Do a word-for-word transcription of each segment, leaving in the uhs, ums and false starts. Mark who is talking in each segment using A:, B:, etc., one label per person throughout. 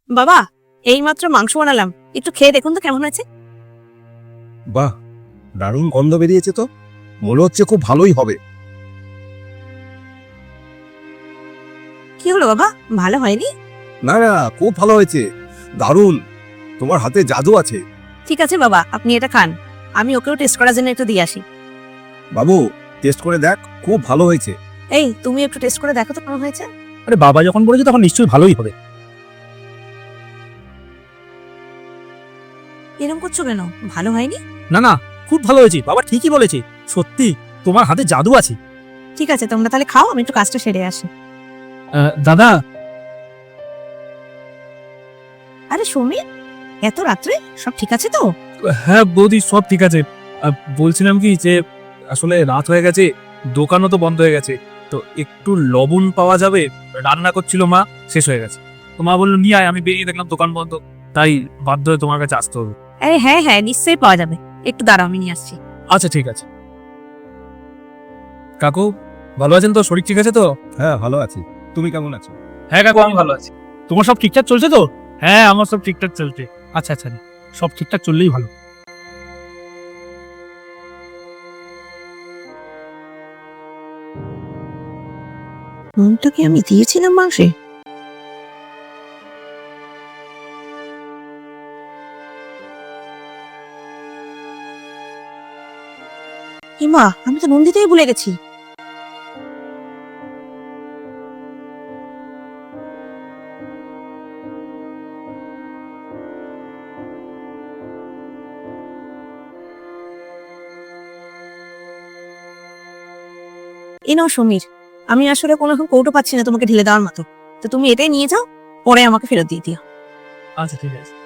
A: বাবা, এইমাত্র মাংস বানালাম, একটু খেয়ে দেখুন তো কেমন হয়েছে।
B: বাহ, দারুণ গন্ধ বেরিয়েছে তো, মনে হচ্ছে খুব ভালোই হবে।
A: কি হলো বাবা, ভালো হয়নি?
B: না না, খুব ভালো হয়েছে, দারুণ। তোমার হাতে জাদু আছে।
A: ঠিক আছে বাবা, আপনি এটা খান, আমি ওকেও টেস্ট করার জন্য একটু দিয়ে আসি।
B: বাবু, টেস্ট করে দেখ, খুব ভালো হয়েছে।
A: এই, তুমি একটু টেস্ট করে দেখো তো কেমন হয়েছে।
C: আরে বাবা যখন বলেছে তখন নিশ্চয়ই ভালোই হবে।
A: এরকম করছো কেন, ভালো হয়নি?
C: না না, খুব ভালো হয়েছে, বাবা ঠিকই বলেছে। সত্যি তোমার হাতে জাদু আছে।
A: ঠিক আছে, তোমরা তাহলে খাও, আমি একটু কাজটা সেরে আসি।
C: দাদা।
A: আরে সমীর, এত রাত্রে সব ঠিক আছে তো?
C: হ্যাঁ বৌদি, সব ঠিক আছে। আহ, বলছিলাম কি যে আসলে রাত হয়ে গেছে, দোকানও তো বন্ধ হয়ে গেছে, তো একটু লবণ পাওয়া যাবে? রান্না করছিল মা, শেষ হয়ে গেছে। তো মা বললো নিয়ে আয়, আমি বেরিয়ে দেখলাম দোকান বন্ধ, তাই বাধ্য হয়ে তোমার কাছে আসতে হবে।
A: আরে হ্যাঁ হ্যাঁ, নিশ্চয়ই পাওয়া যাবে, একটু দাঁড়াও, আমি নিয়ে আসছি।
C: আচ্ছা ঠিক আছে। কাকু ভালো আছেন তো? শরীর ঠিক আছে তো?
B: হ্যাঁ, ভালো আছি। তুমি কেমন আছো?
C: হ্যাঁ কাকু, আমি ভালো আছি। তোমার সব ঠিকঠাক চলছে তো? হ্যাঁ, আমার সব ঠিকঠাক চলছে। আচ্ছা আচ্ছা, সব ঠিকঠাক চললেই ভালো।
A: নুনটা কি আমি দিয়েছিলাম মাংসে? হিমা, আমি তো নুন দিতেই ভুলে গেছি। এ নাও সমীর, আমি আসলে কোনো রকম কৌটো পাচ্ছি না তোমাকে ঢেলে দেওয়ার মতো, তো তুমি এটাই নিয়ে যাও, পরে আমাকে ফেরত দিয়ে দিও।
C: আচ্ছা ঠিক আছে।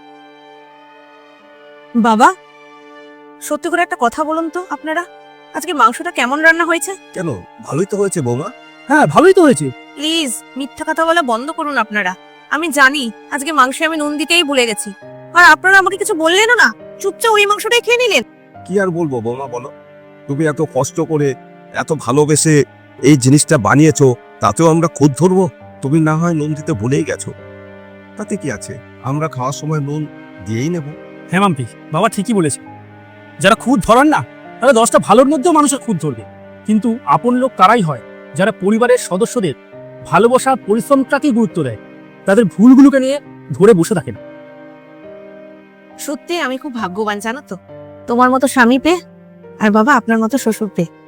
A: বাবা, সত্যি করে একটা কথা বলুন তো, আপনারা আজকে মাংসটা কেমন রান্না হয়েছে?
B: কেন, ভালোই তো হয়েছে বৌমা।
C: হ্যাঁ ভালোই তো হয়েছে।
A: প্লিজ মিথ্যা কথা বলা বন্ধ করুন আপনারা। আমি জানি আজকে মাংসে আমি নুন দিতেই ভুলে গেছি, আর আপনারা আমাকে কিছু বললেনও না, চুপচাপ ওই মাংসটাই খেয়ে নিলেন।
B: কি আর বলবো বৌমা, বলো। তুমি এত কষ্ট করে, এত ভালোবেসে এই জিনিসটা বানিয়েছো, তাতেও আমরা খুদ ধরবো? তুমি না হয় নুন দিতে ভুলেই গেছো, তাতে কি আছে, আমরা খাওয়ার সময় নুন দিয়েই নেব।
C: হ্যাঁ মাম্পি, বাবা ঠিকই বলেছে। যারা খুদ ধরান না, তারা দশটা ভালোর মধ্যেও মানুষের খুদ ধরবে, কিন্তু আপন লোক তারাই হয় যারা পরিবারের সদস্যদের ভালোবাসা পরিশ্রমটাকেই গুরুত্ব দেয়, তাদের ভুলগুলোকে নিয়ে ধরে বসে থাকে না।
A: সত্যি আমি খুব ভাগ্যবান জানো তো, তোমার মতো স্বামী পেয়ে, আর বাবা আপনার মতো শ্বশুর পেয়ে।